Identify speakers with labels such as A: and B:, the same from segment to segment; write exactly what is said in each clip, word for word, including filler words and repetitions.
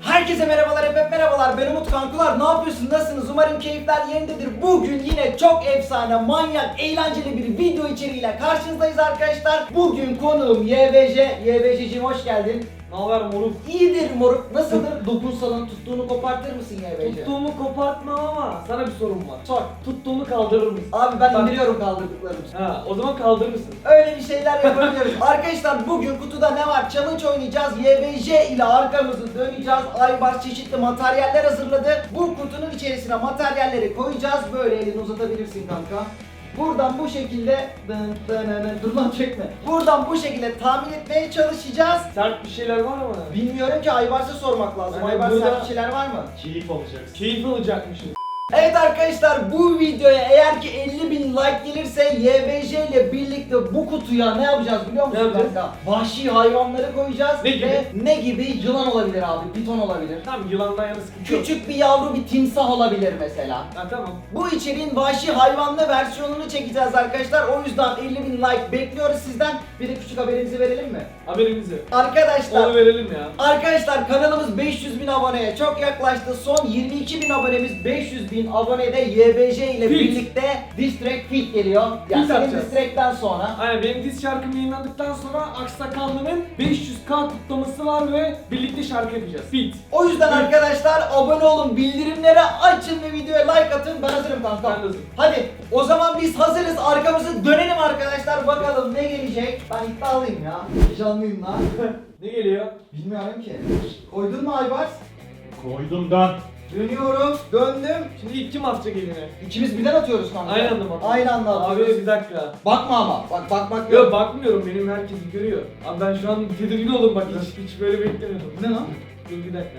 A: Herkese merhabalar, hep merhabalar. Ben Umut Kankular. Ne yapıyorsun? Nasılsınız? Umarım keyifler yerindedir. Bugün yine çok efsane, manyak, eğlenceli bir video içeriğiyle karşınızdayız arkadaşlar. Bugün konuğum Y B J. Y B J'cim hoş geldin.
B: Ne haber moruk?
A: İyidir moruk. Nasıldır? Dokunsalan tuttuğunu kopartır mısın Y B J?
B: Tuttuğumu kopartmam ama sana bir sorum var.
A: Sor.
B: Tuttuğumu kaldırır mısın?
A: Abi ben
B: Bak-
A: indiriyorum kaldırdıklarımızı.
B: Ha, o zaman kaldırır mısın?
A: Öyle bir şeyler yapabiliyoruz. Arkadaşlar bugün kutuda ne var? Challenge oynayacağız. Y B J ile arkamızı döneceğiz. Aybars çeşitli materyaller hazırladı. Bu kutunun içerisine materyalleri koyacağız. Böyle elini uzatabilirsin kanka. Buradan bu şekilde dın dın dın, dur lan çekme. Buradan bu şekilde tahmin etmeye çalışacağız.
B: Sert bir şeyler var ama.
A: Bilmiyorum ki Aybars'a sormak lazım.
B: Yani
A: Aybars
B: burada-
A: sert bir şeyler var mı?
C: Keyif alacaksın.
B: Keyif alacakmışız.
A: Evet arkadaşlar, bu videoya eğer ki elli bin like gelirse Y B J ile birlikte bu kutuya ne yapacağız biliyor musun
B: Ne yapacağız?
A: kanka? Vahşi hayvanları koyacağız.
B: Ne gibi?
A: Ve ne gibi? Yılan olabilir abi, piton olabilir.
B: Tamam, yılandan yana sıkıntı yok.
A: Küçük bir yavru bir timsah olabilir mesela.
B: Ha tamam.
A: Bu içeriğin vahşi hayvanlı versiyonunu çekeceğiz arkadaşlar. O yüzden elli bin like bekliyoruz sizden. Bir de küçük haberimizi verelim mi?
B: Haberimizi.
A: Arkadaşlar
B: Onu verelim ya.
A: Arkadaşlar kanalımız beş yüz bin aboneye çok yaklaştı. Son yirmi iki bin abonemiz beş yüz bin abonede Y B J ile
B: Fit.
A: birlikte Diss Track Fit geliyor. Yani
B: Fit
A: senin
B: yapacağız.
A: Diss Track'ten sonra.
B: Aynen, benim diz şarkım yayınlandıktan sonra Aksakallı'nın beş yüz K kutlaması var ve birlikte şarkı yapacağız. Fit.
A: O yüzden arkadaşlar abone olun, bildirimleri açın ve videoya like atın. Ben hazırım kanka.
B: Ben de hazırım.
A: Hadi o zaman biz hazırız. Arkamızı dönelim arkadaşlar. Bakalım ne gelecek. Ben iddialıyım ya. Heyecanlıyım lan.
B: Ne geliyor?
A: Bilmiyorum ki. Koydun mu Aybars?
C: Koydum dan.
A: Dönüyorum. Döndüm.
B: Şimdi ilk kim atacak eline?
A: İkimiz birden atıyoruz kanka.
B: Aynı anda mı atıyoruz?
A: Aynı anda
B: Abi
A: atıyoruz.
B: bir dakika.
A: Bakma ama. Bak bakmak yok.
B: Yok bakmıyorum, benim herkes görüyor. Abi ben şu an tedirgin oldum bak, hiç, hiç böyle beklemiyordum.
A: Ne lan?
B: Dur bir dakika.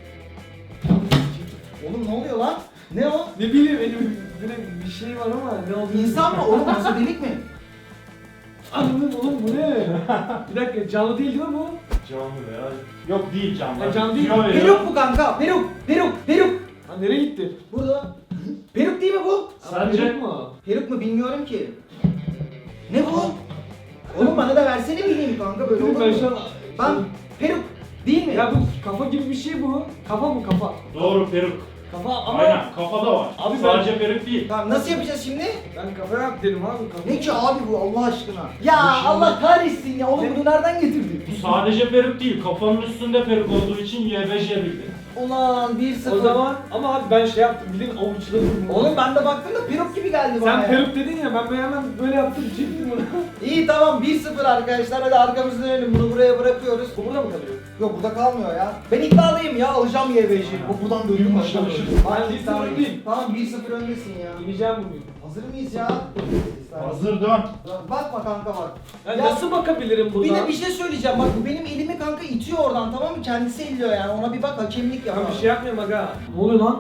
A: Oğlum ne oluyor lan? Ne o?
B: Ne bileyim, benim böyle bir şey var ama ne olduğunu
A: İnsan mı? Oğlum nasıl delik mi?
B: Anladım oğlum, bu ne? Bir dakika, canlı değil değil mi bu?
C: Canlı ya. Yok değil canlı.
B: Ha, canlı değil.
C: Kilo veriyor.
A: Peruk bu kanka. Peruk. Peruk. Peruk.
B: Ha, nereye gitti?
A: Burada. Peruk değil mi bu?
C: Sence?
B: Peruk mu?
A: Peruk mu bilmiyorum ki. Ne bu? Oğlum bana da versene bileyim kanka böyle olur
B: Ben şu
A: mu?
B: an...
A: Ben peruk değil mi?
B: Ya bu kafa gibi bir şey bu. Kafa mı kafa?
C: Doğru peruk.
B: Kafa ama...
C: Aynen kafada var.
B: Abi ben-
C: Sadece peruk değil.
A: Tamam nasıl yapacağız şimdi?
B: Ben kafa yap dedim abi, kafa.
A: Ne ki abi bu Allah aşkına? Ya
C: Bu şimdi-
A: Allah kahretsin ya oğlum bunu nereden getirdin?
C: Bu sadece peruk değil. Kafanın üstünde peruk olduğu için Y B J bildi.
A: Ulan bir sıfır.
B: O zaman ama abi ben şey yaptım, bilin avuçladım.
A: Oğlum ben de baktım da peruk gibi geldi bana
B: Sen
A: ya.
B: peruk dedin ya, ben böyle hemen böyle yaptım, çektim bunu.
A: İyi tamam bir sıfır arkadaşlar, hadi arkamızı dönelim, bunu buraya bırakıyoruz.
B: Bu burada mı kalıyor?
A: Yok burada kalmıyor ya. Ben iddialıyım ya, alacağım Y B J'yi. Bu buradan dönüyor
C: Yumuşak
A: aşağı
C: ışık.
A: doğru.
B: Ben
A: Ben
B: bir
A: iddialıyım.
B: sıfır öndeyim.
A: Tamam bir sıfır öndesin ya.
B: İneceğim bugün.
A: Hazır mıyız ya?
C: Hazır dön.
A: Bakma kanka bak.
B: Ya,
A: Ya-
B: nasıl bakabilirim burada?
A: Bir de bir şey söyleyeceğim bak, bu benim elimi kanka itiyor oradan, tamam mı? Kendisi elliyor yani, ona bir bak, hakemlik yap.
B: Ben bir şey yapmıyorum aga. Ne oluyor lan?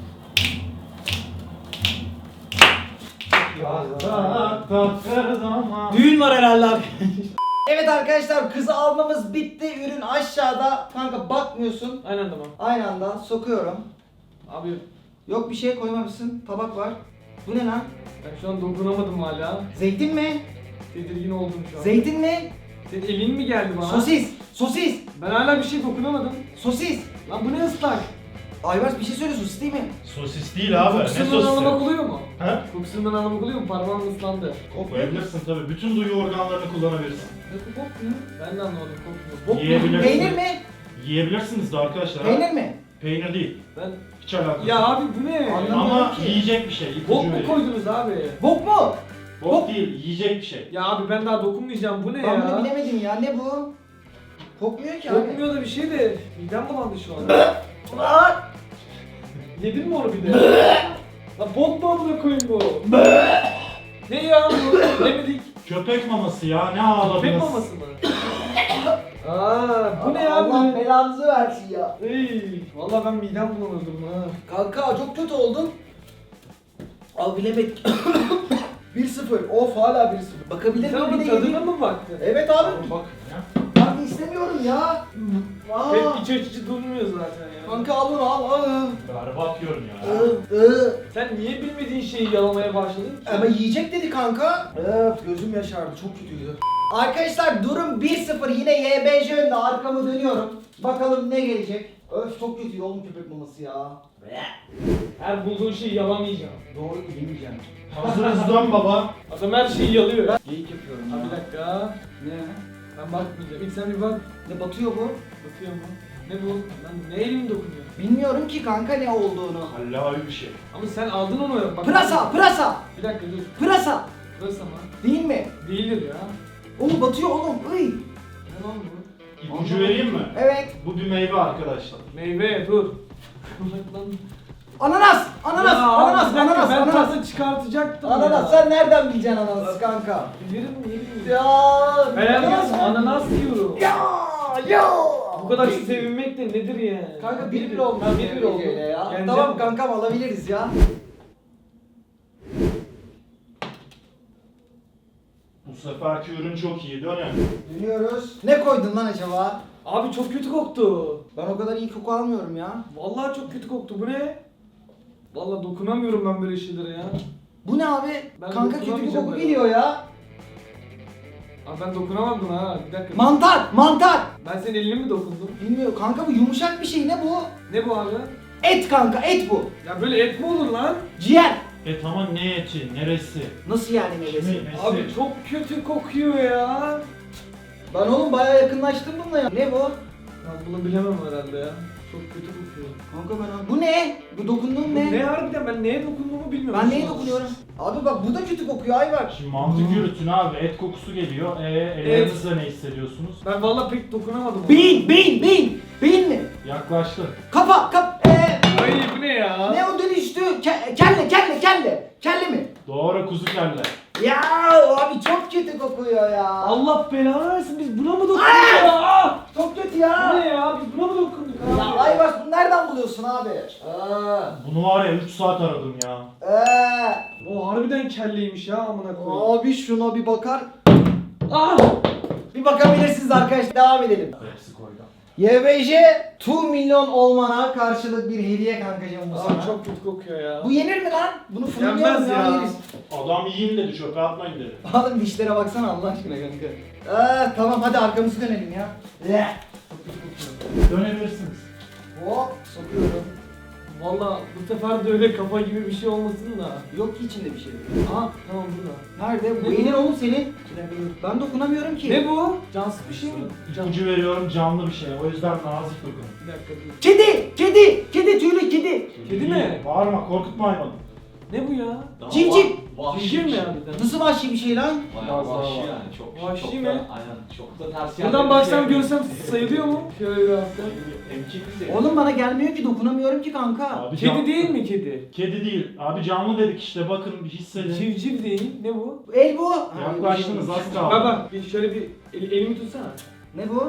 C: Her zaman.
A: Düğün var herhalde abi. Evet arkadaşlar, kızı almamız bitti. Ürün aşağıda. Kanka bakmıyorsun.
B: Aynen tamam.
A: Aynı anda sokuyorum.
B: Abi
A: Yok bir şey koymamışsın. Tabak var. Bu ne lan?
B: ben şu an dokunamadım hala.
A: Zeytin mi?
B: Tedirgin oldum şu an.
A: Zeytin mi?
B: Senin elin mi geldi bana?
A: Sosis. Sosis.
B: Ben hala bir şey dokunamadım.
A: Sosis.
B: Lan bu ne ıslak?
A: Ayvaz bir şey söyle, sosis değil mi?
C: Sosis değil abi. Ne
B: Kokusundan anlamak
C: sosisi?
B: oluyor mu?
C: He?
B: Kokusundan anlamak oluyor mu? Parmağım ıslandı.
C: Koyabilirsin tabii. Bütün duyu organlarını kullanabilirsin.
B: Ne kokmuyor? Ben de anlamadım, kokmuyor. Bok mu?
C: Yiyebilirsin.
A: Peynir mi?
C: Yiyebilirsiniz de arkadaşlar. ha.
A: Peynir mi?
C: Peynir değil.
B: Ben...
C: Hiç alakası
B: Ya
C: yok.
B: abi bu ne?
A: Anlamadım
C: Ama
A: ki.
C: yiyecek bir şey. ipucu
B: Bok mu
C: vereyim.
B: koydunuz abi?
A: Bok mu?
C: Bok
A: Bok.
C: değil, yiyecek bir şey.
B: Ya abi ben daha dokunmayacağım, bu ne
A: Ben
B: ya?
A: bunu bilemedim ya. Ne bu? Kokmuyor ki abi.
B: Kokmuyor da bir şey de midem bulandı şu an.
A: Aa!
B: Yedin mi onu bir de? Lan bok mu amına koyayım bu? Ne ya bu? Demedik.
C: Köpek maması ya, ne ağladınız?
B: Köpek maması mı? Aa, bu ne ya
A: Allah
B: bu?
A: belanızı versin ya.
B: Ey, vallahi ben midem bulanırdım ha.
A: Kanka çok kötü oldun. Al bilemedik. bir sıfır. Of hala bir sıfır. Bakabilir
B: Sen
A: miyim
B: onun
A: bir de
B: tadına
A: yediğim?
B: mı baktın?
A: Evet abi.
C: Bak ya.
A: Ben istemiyorum ya. Aa.
B: Pek iç açıcı durmuyor zaten ya.
A: Kanka al bunu al. al.
C: Berbat yiyorum ya.
A: Iı, ıı.
B: Sen niye bilmediğin şeyi yalamaya başladın ki?
A: Ama yiyecek dedi kanka. Evet gözüm yaşardı, çok kötüydü. Arkadaşlar durum bir sıfır, yine Y B J önünde, arkamı dönüyorum. Bakalım ne gelecek. Öf çok kötü oğlum köpek maması ya.
B: Her bulduğun şeyi yalamayacağım.
A: Doğru yemeyeceğim.
C: Hazırız dön baba.
B: Adam her şeyi yalıyor.
A: Geyik yapıyorum
B: Ha
A: ya.
B: bir dakika.
A: Ne?
B: Ben bakmayacağım. İlk sen bir bak.
A: Ne batıyor bu?
B: Bakıyor mu? Ne bu? Lan ne elim dokunuyor?
A: Bilmiyorum ki kanka ne olduğunu.
C: Hallavi bir şey.
B: Ama sen aldın onu. Bak.
A: Pırasa, pırasa,
B: Bir dakika dur.
A: pırasa.
B: Pırasa mı?
A: Değil mi?
B: Değildir ya.
A: Oğlum batıyor oğlum. Iy.
B: Ne lan bu?
C: İpucu vereyim mi?
A: Evet.
C: Bu bir meyve arkadaşlar.
B: Meyve dur. Lan.
A: Ananas, ananas,
B: Ya,
A: ananas,
B: bir dakika,
A: ananas,
B: ben
A: ananas.
B: tadı çıkartacaktım
A: Ananas
B: ya.
A: sen nereden bileceksin ananası kanka?
B: Bilirim yerim.
A: Ya.
B: Ben
A: ananas
B: diyorum
A: mı?
B: ananas diyorum.
A: Ya ya.
B: Bu kadar sevinmek de nedir ya?
A: Kanka bir bir oldu.
B: Ben bir bir oldum.
A: Ya.
B: Yeneceğim.
A: Tamam kankam alabiliriz ya.
C: Bu seferki ürün çok iyi dönün.
A: Dönüyoruz. Ne koydun lan acaba?
B: Abi çok kötü koktu.
A: Ben o kadar iyi koku almıyorum ya.
B: Vallahi çok kötü koktu. Bu ne? Vallahi dokunamıyorum ben böyle şeylere ya.
A: Bu ne abi?
B: Ben
A: Kanka kötü bir
B: dokunamayacağım
A: koku
B: ben.
A: geliyor ya.
B: Abi ben dokunamam buna ha. Bir dakika.
A: Mantar, mantar.
B: Ben senin eline mi dokundum?
A: Bilmiyorum kanka bu yumuşak bir şey ne bu?
B: Ne bu abi?
A: Et kanka et bu.
B: Ya böyle et mi olur lan?
A: Ciğer.
C: Et ama ne eti, neresi?
A: Nasıl yani meyvesi?
C: Kimi, nesi?
B: Abi çok kötü kokuyor ya.
A: Ben oğlum bayağı yakınlaştım bununla ya. Ne bu?
B: Ben bunu bilemem herhalde ya. Çok kötü kokuyor.
A: Kanka ben bu ne? Bu dokunduğum
B: Bu
A: ne?
B: ne harbiden ben neye dokunduğumu bilmiyorum.
A: Ben
B: şu
A: neye
B: an.
A: dokunuyorum? Abi bak bu da kötü kokuyor ay bak.
C: Şimdi mantık yürütün abi. Et kokusu geliyor. Ee, ellerinizle ne hissediyorsunuz?
B: Ben vallahi pek dokunamadım. ona.
A: Beyin, beyin, beyin. Beyin mi?
C: Yaklaştın.
A: Kafa, kap, eee.
B: Ay bu ne ya?
A: Ne o dönüştü? Ke- kelle, kelle, kelle. Kelle mi?
C: Doğru kuzu kelle.
A: Ya abi çok kötü kokuyor ya.
B: Allah belanı versin biz buna mı dokunduk ya?
A: Çok kötü
B: Bu
A: ya.
B: ne ya? Biz buna mı dokunduk abi?
A: Ya ay bak bunu nereden buluyorsun abi? Aa.
C: Bunu var ya üç saat aradım ya.
A: Eee.
B: O harbiden kelleymiş ya amına koyayım.
A: Abi şuna bir bakar.
B: Ah!
A: Bir bakabilirsiniz arkadaşlar. Devam edelim.
C: Hepsi koydu.
A: Y B J iki milyon olmana karşılık bir hediye kankacığım bu sana.
B: Abi çok kötü kokuyor ya.
A: Bu yenir mi lan? Bunu fırınlayalım
B: Yenmez
A: ya.
B: ya.
A: Yeriz.
C: Adam yiyin dedi, çöpe atmayın dedi.
A: Oğlum dişlere baksana Allah aşkına kanka. Ee, tamam hadi arkamızı dönelim ya. Eh.
C: Dönebilirsiniz.
A: Hop sokuyorum.
B: Valla bu sefer de öyle kafa gibi bir şey olmasın da.
A: Yok ki içinde bir şey.
B: Aha tamam burada.
A: Nerede? Bu
B: Ne
A: yenir
B: bu?
A: oğlum senin. Ben dokunamıyorum ki.
B: Ne bu? Cansız bir şey mi? Can.
C: İpucu veriyorum, canlı bir şey. O yüzden nazik dokun.
B: Bir dakika dur.
A: Kedi! Kedi! Kedi tüylü kedi!
B: Kedi mi?
C: Bağırma, korkutma hayvanı.
B: Ne bu ya?
A: Civciv!
B: Civciv mi harbiden?
A: Nasıl vahşi bir şey lan?
D: Bayağı vahşi yani çok
B: Vahşi
D: çok
B: mi?
D: da, aynen çok da ters
B: Buradan
D: yerlere
B: baksam
D: şey
B: görsem sayılıyor mu? Şöyle bir hafta.
D: Emkik bir şey.
A: Oğlum bana gelmiyor ki dokunamıyorum ki kanka.
C: Abi
B: Kedi
C: can-
B: değil mi kedi?
C: Kedi değil. Abi canlı dedik işte, bakın bir hissedin.
B: Civciv değil. Ne bu?
A: El bu.
C: Yaklaştınız, az kaldı.
B: Bak bak bir şöyle bir el- elimi tutsana.
A: Ne bu?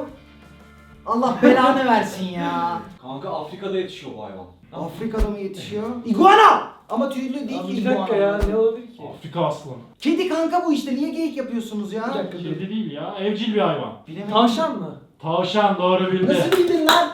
A: Allah belanı versin ya.
D: Kanka Afrika'da yetişiyor bu hayvan.
A: Afrika'da mı yetişiyor? İguana! Ama tüylü değil
B: Abi
A: ki
B: bir dakika ya ne olabilir ki?
C: Afrika aslanı.
A: Kedi kanka bu işte niye geyik yapıyorsunuz ya?
B: Bir dakika dur.
C: Kedi değil ya, evcil bir hayvan.
A: Bilemedim.
B: Tavşan mı?
C: Tavşan doğru bildi.
A: Nasıl bildin lan?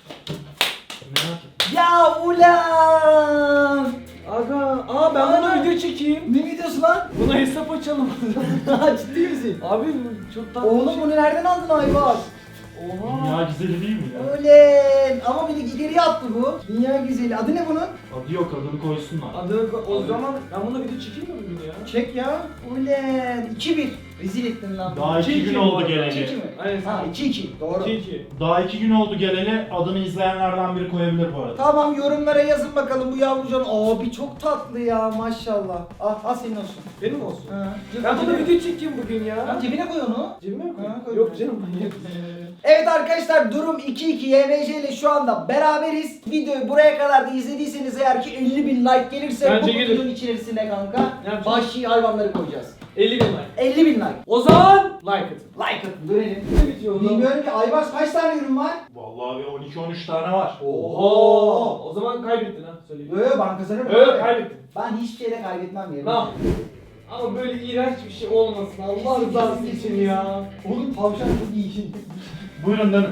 C: Merak ettim.
A: Ya ulan!
B: Aga, aa ben
A: Aa.
B: buna video çekeyim.
A: Ne videosu lan?
B: Buna hesap açalım.
A: Ciddi misin?
B: Abi bu çok tatlı.
A: Oğlum bunu nereden aldın Ayvaz?
B: Oha.
C: Dünya güzeli değil mi ya?
A: Öyle. Ama beni ileriye attı bu. Dünya güzeli. Adı ne bunun?
C: Adı yok, adını koysunlar.
B: Adını ko- o zaman ben buna video çekeyim mi bugün ya?
A: Çek ya. Ulan. iki bir. Rezil ettin lan.
C: Daha
B: iki
C: iki
B: iki
C: gün
B: bu
C: oldu
B: arada.
C: geleli.
A: iki iki mi?
B: Aynen.
A: Ha iki iki. Doğru.
B: iki iki.
C: Daha iki gün oldu geleli, adını izleyenlerden biri koyabilir bu arada.
A: Tamam yorumlara yazın bakalım bu yavrucan. Abi çok tatlı ya maşallah. Al, al senin olsun.
B: Benim olsun.
A: Ha.
B: Ben buna video çekeyim bugün ya.
A: Lan cebine koy onu.
B: Cebime mi
A: Ha,
B: koyayım?
A: koy.
B: Yok canım manyak.
A: Evet arkadaşlar durum iki iki Y B J ile şu anda beraberiz. Videoyu buraya kadar da izlediyseniz eğer ki elli bin like gelirse
B: Bence
A: bu
B: gelir.
A: videonun içerisine kanka
B: yapacağız?
A: vahşi hayvanları koyacağız.
B: elli bin like.
A: elli bin like.
B: O zaman like atın.
A: Like atın dönelim.
B: Ne bitiyor o zaman?
A: Bilmiyorum ki Aybars kaç tane ürün var?
C: Vallahi bir on iki on üç tane var.
B: Oho. O zaman kaybettin ha söyleyeyim.
A: Yo yo ben kazanırım.
B: Evet
A: abi.
B: kaybettin.
A: Ben hiçbir şeyde kaybetmem yerim.
B: Tamam. Ama böyle iğrenç bir şey olmasın Allah rızası için ya.
A: Oğlum tavşan çok iyi.
C: Buyurun dönün.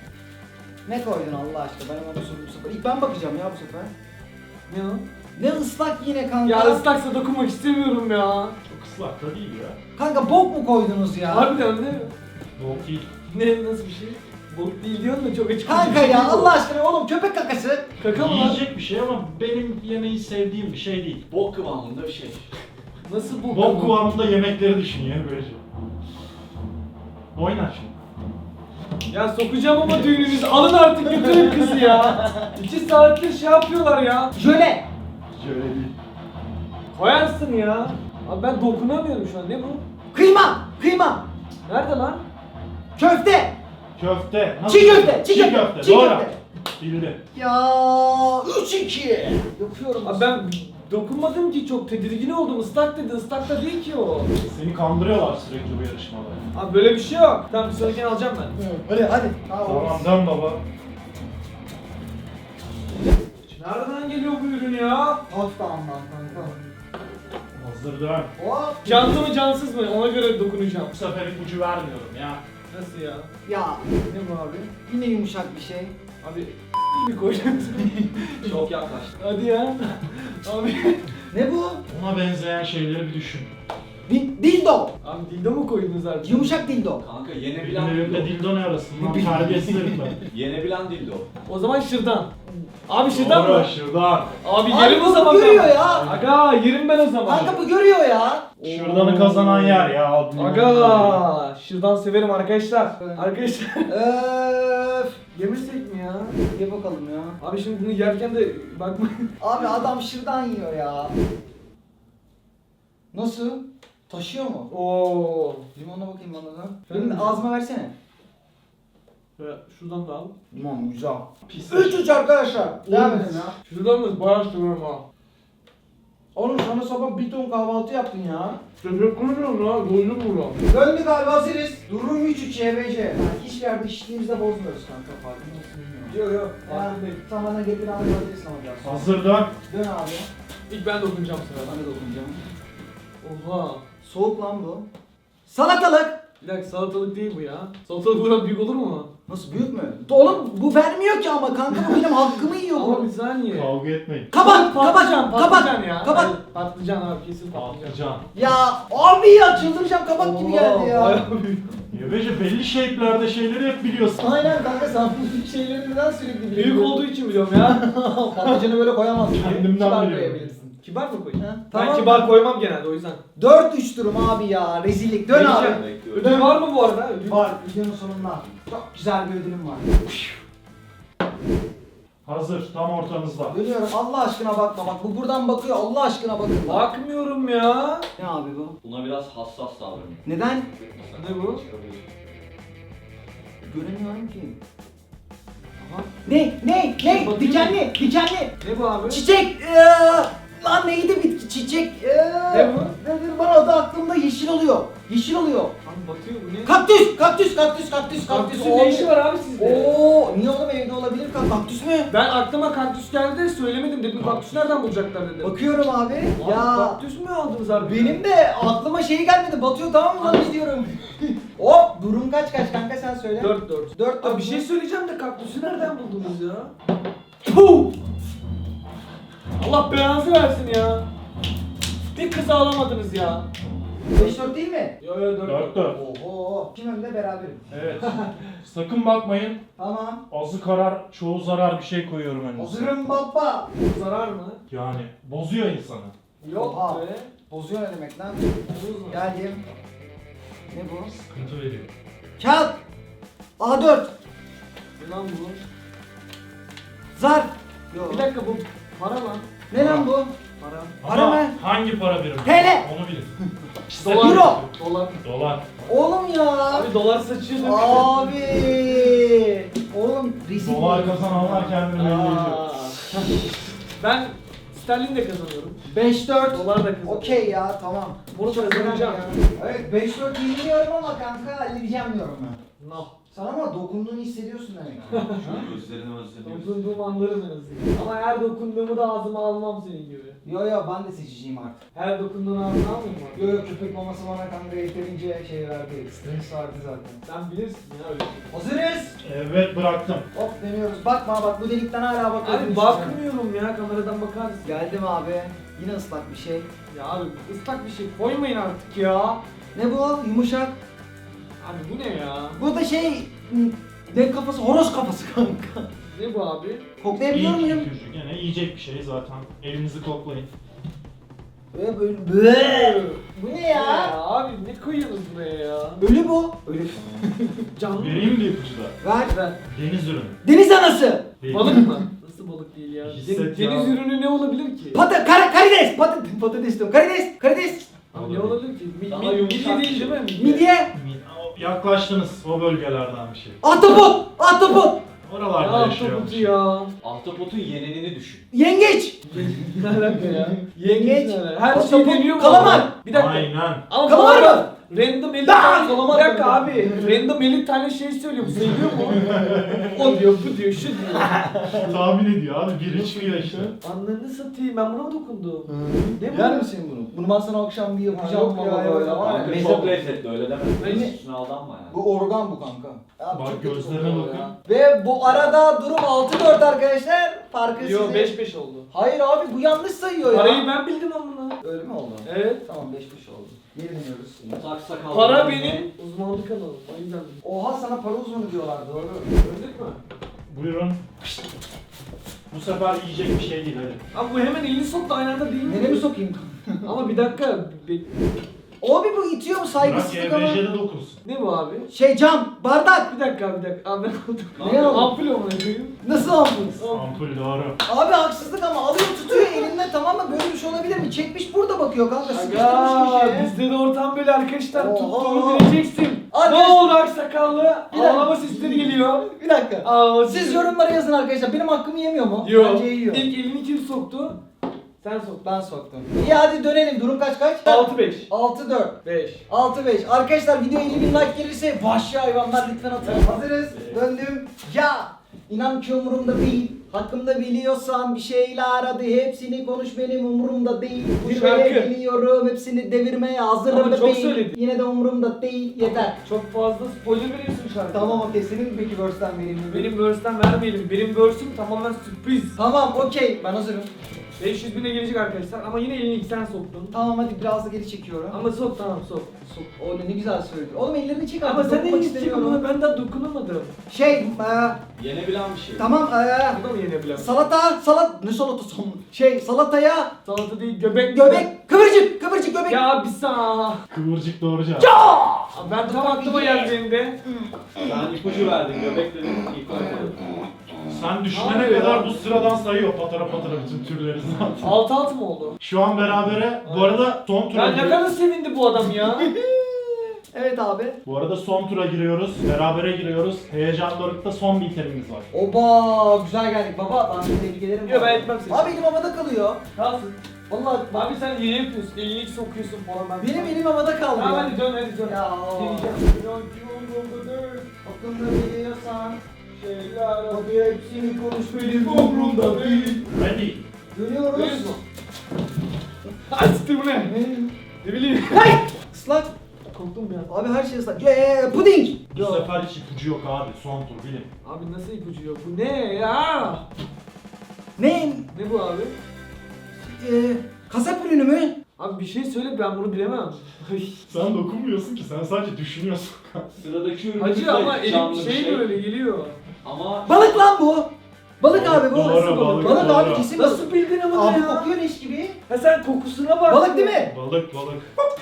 A: Ne koydun Allah aşkına? Ben ona sorayım bu sefer. İlk ben bakacağım ya bu sefer.
B: Ne o?
A: Ne ıslak yine kanka.
B: Ya ıslaksa dokunmak istemiyorum ya.
C: Çok ıslak da değil ya.
A: Kanka bok mu koydunuz ya?
B: Harbiden ne?
C: Bok değil.
B: Ne nasıl bir şey? Bok değil diyorsun da çok açık.
A: Kanka ya Allah aşkına oğlum köpek kakası.
B: Kaka mı lan?
C: Yiyecek bir şey ama benim yemeği sevdiğim bir şey değil.
D: Bok kıvamında bir şey.
B: Nasıl bu?
C: Bok kıvamında yemekleri düşünüyor böyle şey. Oyna şimdi.
B: Ya sokacağım ama düğününüzü. Alın artık götürün kızı ya. İki saattir şey yapıyorlar ya.
A: Jöle.
C: Şöyle değil.
B: Koyarsın ya. Abi ben dokunamıyorum şu an. Ne bu?
A: Kıyma. Kıyma.
B: Nerede lan?
A: Köfte.
C: Köfte.
A: Çiğ köfte. Çiğ köfte.
C: köfte.
A: Çiğ
C: Doğru.
A: köfte.
C: Bildi.
A: Ya üç iki. Yapıyorum.
B: Abi ben dokunmadım ki, çok tedirgin oldum. Islak dedi. Islak da değil ki o.
C: Seni kandırıyorlar sürekli bu yarışmada.
B: Abi böyle bir şey yok. Tamam bir sonrakini alacağım ben.
A: Hadi hadi.
C: Tamam dön baba.
B: Nereden geliyor bu ürün ya?
A: Hafta anlat kanka.
C: Hazır dön.
A: Hop.
B: Canlı mı cansız mı? Ona göre dokunacağım.
C: Bu sefer ipucu vermiyorum ya.
B: Nasıl ya?
A: Ya
B: Ne bu abi?
A: yine yumuşak bir şey.
B: Abi iyi mi koyacaksın?
D: Çok yaklaştı.
B: Hadi ya. Abi.
A: Ne bu?
C: Ona benzeyen şeyleri bir düşün.
A: Di- dildo.
B: Abi dildo mu koydunuz artık?
A: Yumuşak dildo.
D: Kanka
C: Benim
D: yenebilen
C: evimde
D: dildo.
C: dildo ne arasın lan? Terbiyesiz herif ben.
D: Yenebilen dildo.
B: O zaman şırdan. Abi şırdan mı?
C: Doğru şuradan.
B: Abi
A: Abi
B: yerim o
A: bu
B: zaman
A: görüyor
B: ben.
A: ya.
B: Aga yerim ben o zaman.
A: Kanka bu görüyor ya.
C: Şuradanı kazanan yer ya.
B: Aga şırdan severim arkadaşlar.
A: Evet.
B: Arkadaşlar
A: Öf.
B: yemesek mi ya?
A: Ye bakalım ya.
B: Abi şimdi bunu yerken de bakma.
A: Abi adam şırdan yiyor ya. Nasıl? Taşıyor mu?
B: Oo.
A: Limonuna bakayım bana da.
B: Benim
A: Benim ağzıma versene.
B: Şöyle şuradan da al.
A: Limon güzel.
C: Pis.
A: üç üç arkadaşlar. Devam
B: Oğlum,
A: edin ya.
B: Şuradan da bayağı seviyorum ha.
A: Oğlum sana sabah bir ton kahvaltı yaptın ya.
B: Teşekkür ederim ya. Doydum bunu.
A: Döndük abi hazırız. Durum üç üç Y B C. Yani hiçbir yerde işliğimizde bozmuyoruz kanka, farkındasın bilmiyorum.
B: Yok yok.
A: Ya tamamen getir abi hazırız alacağız.
C: Hazır dön.
A: Dön abi.
B: İlk ben dokunacağım sıra.
A: Ben de dokunacağım.
B: Oha.
A: Soğuk lan bu. Salatalık.
B: Bir dakika salatalık değil bu ya. Salatalık buradan büyük olur mu?
A: Nasıl, büyük mü? Oğlum bu vermiyor ki ama kanka, bu benim hakkımı yiyor
B: Ama bir
A: bu.
B: saniye.
C: Kavga etmeyin.
A: Kabak,
B: patlıcan,
A: kabak,
B: patlıcan
A: kabak,
B: ya.
A: kabak.
B: Hayır, patlıcan abi kesin patlıcan.
C: Patlıcan.
A: Ya abi ya çıldıracağım, kabak gibi geldi ya.
B: bayağı büyük.
C: Yebece belli shape'lerde şeyleri hep biliyorsun.
A: Aynen kanka, sen bu şeyleri neden sürekli biliyorsun?
B: Büyük olduğu için biliyorum ya.
A: Patlıcanı böyle koyamazsın.
C: Kendimden
A: Kibar
C: biliyorum.
A: koyabilirsin.
B: Kibar mı koyayım?
A: Ha,
B: Ben
A: tamam.
B: kibar koymam genelde o yüzden.
A: dört üç durum abi ya, rezillik. Dön abi.
B: Vereceğim.
D: Bekliyorum.
B: Ödül var mı bu arada? Ödül.
A: Var, videonun sonunda. Çok güzel bir ödülüm var.
C: Hazır tam ortanızda.
A: Dönüyorum, Allah aşkına bakma bak, bu buradan bakıyor, Allah aşkına bakın.
B: Bakmıyorum ya.
A: Ne abi bu?
D: Buna biraz hassas davranın.
A: Neden?
B: Ne bu?
A: Göremiyorum ki. Aha. Ne? Ne? Ne?
B: Bakayım.
A: Dikenli, dikenli.
B: Ne bu abi?
A: Çiçek. Ee, lan neydi bitki? Çiçek. Ee,
B: Ne bu?
A: Nedir bana adı aklımda, yeşil oluyor. Yeşil oluyor.
B: Abi batıyor bu ne?
A: Kaktüs, kaktüs, kaktüs, kaktüs, kaktüs.
B: Kaktüsün ne işi var abi sizde?
A: Oo, niye oğlum, evde olabilir ka- kaktüs mü?
B: Ben aklıma kaktüs geldi de söylemedim dedim kaktüs nereden bulacaklar dedim.
A: Bakıyorum abi.
B: Abi,
A: Ya
B: kaktüs mü aldınız abi?
A: benim de aklıma şey gelmedi. Batıyor, tamam mı lan diyorum. Hop, durum kaç kaç kanka, sen söyle.
B: dört dört.
A: dört
B: Abi bir şey söyleyeceğim de kaktüsü nereden buldunuz ya?
A: Puh!
B: Allah belanızı versin ya. Bir kız alamadınız ya.
A: beş dört değil mi?
B: Yo yo dört
C: Dört dört.
A: Oho. Kim önde, beraberim.
C: Evet. Sakın bakmayın.
A: Tamam.
C: Azı karar, çoğu zarar bir şey koyuyorum önünüze.
A: Hazırım baba.
B: Zarar mı?
C: Yani bozuyor insanı.
B: Yok
A: Oha.
B: be.
A: Bozuyor ne demek lan?
B: Bozma.
A: Geldim. Ne bu?
C: Sıkıntı veriyor.
A: Kağıt. A dört.
B: Ne lan bu?
A: Zar. Yok.
B: Bir dakika bu para lan.
A: Ne lan bu?
B: Para.
A: Para
C: Ama
A: mı?
C: hangi para birimi?
A: T L.
C: Onu bilin.
B: Dolar.
A: Euro.
B: Dolar.
C: Dolar.
A: Oğlum ya.
B: Abi dolar saçıyor.
A: Abi. Oğlum rezil.
C: Dolar kazananlar kendini belli ediyor.
B: Aa. Ben sterlin de kazanıyorum.
A: beş dört.
B: Dolar da kazanıyorum.
A: Okey ya, tamam.
B: Bunu kazanacağım.
A: Evet, beş dört bilmiyorum ama kanka halledeceğim diyorum ben.
B: No.
A: Sen ama dokunduğunu hissediyorsun demek.
D: Şu gözlerini özlediğimiz.
B: Dokunduğum anlarım en azından. Ama her dokunduğumu da ağzıma almam senin gibi.
A: Yo yo, ben de seçeceğim artık.
B: Her dokunduğunu ağzına almayayım mı?
A: Yo yo, köpek maması bana kanka yeterince şey verdi. Stres vardı zaten.
B: Sen bilirsin ya öyle şey.
A: Hazırız.
C: Evet bıraktım.
A: Hop, deniyoruz. Bakma bak, bu delikten hala bakıyorum.
B: Abi bakmıyorum ya, kameradan bakarsın.
A: Geldim abi. Yine ıslak bir şey.
B: Ya abi ıslak bir şey koymayın artık ya.
A: Ne bu? Yumuşak.
B: Abi bu ne ya?
A: Bu da şey... m, Ne kafası? Horoz kafası kanka.
B: Ne bu abi?
A: Koklayabiliyor
C: İlk
A: muyum?
C: ipucu gene yiyecek bir şey zaten. Elinizi koklayın.
A: Böyle böyle. Böyle. Bu ne
B: Ya
A: ya?
B: abi ne koyuyorsunuz buraya ya?
A: Ölü bu. Ölü.
B: Canlı mı?
C: Vereyim mi ipucu da?
A: Ver.
B: Ver.
C: Deniz ürünü.
A: Deniz anası.
C: Değil.
B: Balık mı? Nasıl balık değil ya?
C: Hisset
B: Den-
C: ya.
B: Deniz ürünü ne olabilir ki?
A: Pata, kar, karides. Pata, patates diyorum. Karides. Karides.
B: Abi ne olabilir ki? Mi,
D: Daha
B: mi,
D: yumuşak
B: midye
D: bir
B: değil
D: şey.
B: değil mi?
A: Midye.
C: Yaklaştınız o bölgelerden bir şey.
A: Ahtapot. Ahtapot.
C: Oralarda
B: Ya
C: yaşıyor.
B: ahtapotu ya.
D: Ahtapotun yenenini düşün.
A: Yengeç.
B: Ne alaka ya?
A: Yengeç.
B: ne alaka? Her şey
A: Ahtapot,
B: deniyor mu?
A: kalamar.
B: Bir dakika.
C: Aynen.
B: Ama
A: Kalamar
B: bu arada
A: mı?
B: Random elli
A: Aa,
B: tane
A: kalamar
B: Bir dakika
A: mı?
B: abi. Random elli tane şey söylüyor. Bu sayılıyor mu? O diyor, bu diyor, şu diyor.
C: Tahmin ediyor abi. Biri çıkıyor işte.
B: Anlarını satayım. Ben buna mı dokundum? Ne bu?
A: Yer misin bunu? Bunu ben sana akşam bir yapacağım
B: Ha, yok
A: ama
B: ya,
A: böyle
B: yok.
A: var ya.
D: Kanka
A: meze-
D: çok lezzetli öyle deme.
B: Ben-
D: Üstüne aldanma yani.
A: Bu organ bu kanka. Abi
C: Bak,
A: çok kötü
C: gözlerine
A: kokuyor
C: bakın.
A: ya. Ve bu arada durum altı dört arkadaşlar. Farkı
B: Yo
A: size-
B: beş beş oldu.
A: Hayır abi bu yanlış sayıyor ya.
B: Parayı ben bildim amına.
A: Öyle mi oldu?
B: Evet.
A: Tamam beş beş oldu. Geri dönüyoruz.
D: Tak sakal.
B: Para benim uzmanlık alanım. O yüzden bildim.
A: Oha sana para uzmanı diyorlar doğru.
B: Gördük mü?
C: Buyurun. Bu sefer yiyecek bir şey değil hadi.
B: Abi bu hemen elini soktu aynı anda değil mi?
A: Nereye mi sokayım?
B: Ama bir dakika. be-
A: Abi bu itiyor mu
C: Bırak
A: saygısızlık ama?
C: Y B J'de dokunsun.
B: Ne bu abi?
A: Şey cam, bardak.
B: Bir dakika bir dakika. Abi ben aldım.
A: Ne aldın?
B: Ampul amına koyayım.
A: Nasıl aldınız?
C: Ampul doğru.
A: Abi haksızlık ama alıyor tutuyor elinde tamam mı? Böyle bir şey olabilir mi? Çekmiş burada bakıyor kanka sıkıştırmış
B: Aga
A: bir şey.
B: bizde de ortam böyle arkadaşlar.
A: Oha.
B: Tuttuğunu bileceksin.
A: Arkadaş-
B: Ne oldu aksakallı?
A: Bir dakika.
B: Ağlama sesleri geliyor.
A: Bir dakika.
B: Ağlama
A: Siz
B: sesleri-
A: yorumlara yazın arkadaşlar. Benim hakkımı yemiyor mu?
B: Yok.
A: Bence yiyor.
B: İlk elini kim soktu? Sen soktun.
A: Ben soktum. İyi hadi dönelim. Durum kaç kaç?
B: altı beş.
A: altı dört.
B: beş.
A: altı beş. Arkadaşlar video elli bin like gelirse vahşi hayvanlar lütfen atın. Hazırız. Döndüm. Ya. İnan ki umurumda değil. Hakkımda biliyorsan bir şeyler hadi hepsini konuş benim umurumda değil.
B: Bu
A: Buraya
B: şarkı.
A: geliyorum hepsini devirmeye hazırım
B: Ama çok
A: bebeğim.
B: söyledin.
A: Yine de umurumda değil yeter.
B: Çok fazla spoiler veriyorsun şarkıda.
A: Tamam okey senin peki verse'ten vereyim mi?
B: Benim verse'den vermeyelim. Benim verse'üm tamamen sürpriz.
A: Tamam okey ben hazırım.
B: beş yüz bine gelecek arkadaşlar ama yine elini ilk sen soktun.
A: Tamam hadi biraz da geri çekiyorum.
B: Ama sok tamam sok. Sok.
A: O ne, ne güzel söylüyor. Oğlum ellerini çek
B: Ama
A: artık.
B: sen de
A: dokunmak
B: elini çek
A: istemiyorum.
B: ama ben daha dokunamadım.
A: Şey eee,
D: Yenebilen bir şey.
A: tamam eee,
B: Bu da mı yenebilen?
A: salata salat ne salatası şey salataya
B: Salata değil göbek.
A: göbek kıvırcık kıvırcık göbek.
B: Ya bir sağ.
C: Kıvırcık doğru cevap.
B: Abi ben tam aklıma geldi benim de.
D: Ben ipucu verdim. Göbek dedim. İlk oynadım.
C: Sen düşünene
B: Abi ya.
C: kadar bu sıradan sayıyor patara patara bütün türleri zaten.
B: Altı altı mı oldu?
C: Şu an berabere. Bu arada son tura
B: Ya ne
C: giriyoruz.
B: kadar sevindi bu adam ya.
A: Evet abi.
C: Bu arada son tura giriyoruz. Berabere giriyoruz. Heyecan dorukta son bir itemimiz var.
A: Oba güzel geldik baba. Ben seni tebrik ederim.
B: Yok, ben
A: abi.
B: etmem seni.
A: Abi elim havada kalıyor.
B: Kalsın.
A: Vallahi bak
B: Abi sen iyi yapıyorsun. Elini ilk sokuyorsun falan ben.
A: benim elim havada kaldı.
B: Tamam
A: ya.
B: hadi dön hadi dön.
A: Ya.
B: Deneyeceğim.
A: Hakkında biliyorsan
B: Şeyler
A: hadi hepsini konuş benim
B: umurumda değil.
C: Ready.
A: Dönüyoruz.
B: Duyuyorsun. Ay siktir bu ne? Ne bileyim.
A: Hay! Islak.
B: Korktum ya.
A: Abi her şey ıslak. Eee puding.
C: Bu sefer hiç ipucu yok abi. Son tur bilin.
B: Abi nasıl ipucu yok? Bu ne ya?
A: Ne?
B: Ne bu abi?
A: Eee kasap ürünü mü?
B: Abi bir şey söyle ben bunu bilemem.
C: Sen dokunmuyorsun ki. Sen sadece düşünüyorsun.
D: Sıradaki ürün
B: Hacı ama elim
D: canlı bir
B: şey böyle geliyor.
D: Ama
A: Balık lan bu. Balık
C: Doğru,
A: abi bu.
C: doğru,
A: Nasıl
C: balık,
A: Balık
C: doğru.
A: abi kesin balık.
B: Nasıl bildin ama
A: Abi
B: ya?
A: kokuyor leş gibi.
B: Ha sen kokusuna bak.
A: Balık değil mi?
C: Balık balık.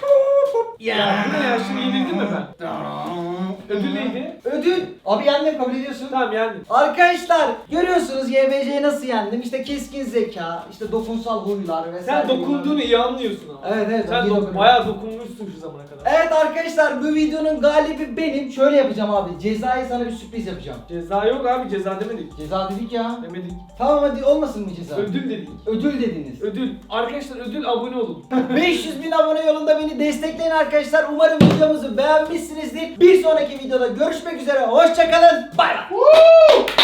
B: Ya bu ne ya şimdi yenildim mi ben? Ödül neydi?
A: Ödül. Abi yendim kabul ediyorsun.
B: Tamam yendim.
A: Arkadaşlar görüyorsunuz Y B C'yi nasıl yendim? İşte keskin zeka, işte dokunsal huylar vesaire.
B: Sen dokunduğunu iyi anlıyorsun ama.
A: Evet, evet,
B: Sen
A: iyi
B: dok-
A: dokunuyorum.
B: bayağı dokunmuşsun şu zamana kadar.
A: Evet arkadaşlar bu videonun galibi benim. Şöyle yapacağım abi. Cezayı sana bir sürpriz yapacağım.
B: Ceza yok abi ceza demedik.
A: Ceza dedik ya.
B: Demedik.
A: Tamam hadi olmasın mı ceza?
B: Ödül dedik.
A: Ödül dediniz.
B: Ödül. Arkadaşlar ödül abone olun.
A: beş yüz bin abone yolunda beni destekleyin arkadaşlar. Umarım videomuzu beğenmişsinizdir. Bir sonraki videoda görüşmek üzere. Hoşçakalın. Bay bay.